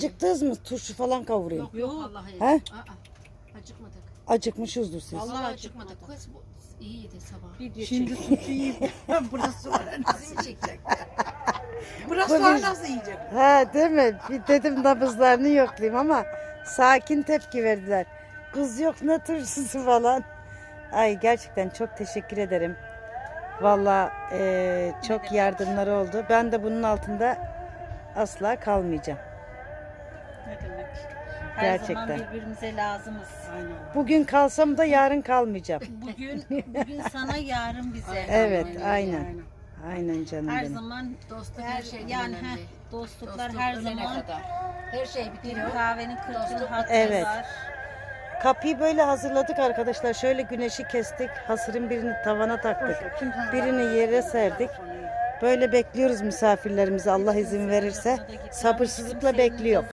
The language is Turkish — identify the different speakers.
Speaker 1: Acıktınız mı? Turşu falan kavurayım.
Speaker 2: Yok vallahi.
Speaker 1: He?
Speaker 2: Acıkmadık.
Speaker 1: Acıkmışızdır siz.
Speaker 2: Vallahi acıkmadık. Kız bu iyiydi sabah.
Speaker 3: Şimdi suçu yiyip burası var nasıl yiyecek? Burası
Speaker 1: Tabii.
Speaker 3: var nasıl yiyecek?
Speaker 1: Ha değil mi? Bir dedim nabızlarını yoklayayım ama sakin tepki verdiler. Kız yok ne turşusu falan. Ay gerçekten çok teşekkür ederim. Vallahi çok yardımları oldu. Ben de bunun altında asla kalmayacağım.
Speaker 4: Ne demek? Her
Speaker 1: Gerçekten.
Speaker 4: zaman birbirimize lazımız.
Speaker 3: Aynen.
Speaker 1: Bugün kalsam da yarın kalmayacağım.
Speaker 4: Bugün sana, yarın bize.
Speaker 1: Evet aynen. Aynen canım
Speaker 4: Her
Speaker 1: benim.
Speaker 4: zaman
Speaker 2: Dostluk her şeyden
Speaker 4: yani
Speaker 2: önemli.
Speaker 4: dostluklar
Speaker 2: Dostluk
Speaker 4: her
Speaker 2: ölene
Speaker 4: zaman
Speaker 2: kadar. Her şey
Speaker 4: bir
Speaker 2: bitiyor.
Speaker 4: kahvenin 40 yıl
Speaker 2: Dostluk.
Speaker 4: hakkı
Speaker 1: Evet.
Speaker 4: var.
Speaker 1: Kapıyı böyle hazırladık arkadaşlar. Şöyle güneşi kestik. Hasırın birini tavana taktık. Birini yere serdik. Böyle bekliyoruz misafirlerimizi Allah izin verirse. Sabırsızlıkla bekliyor.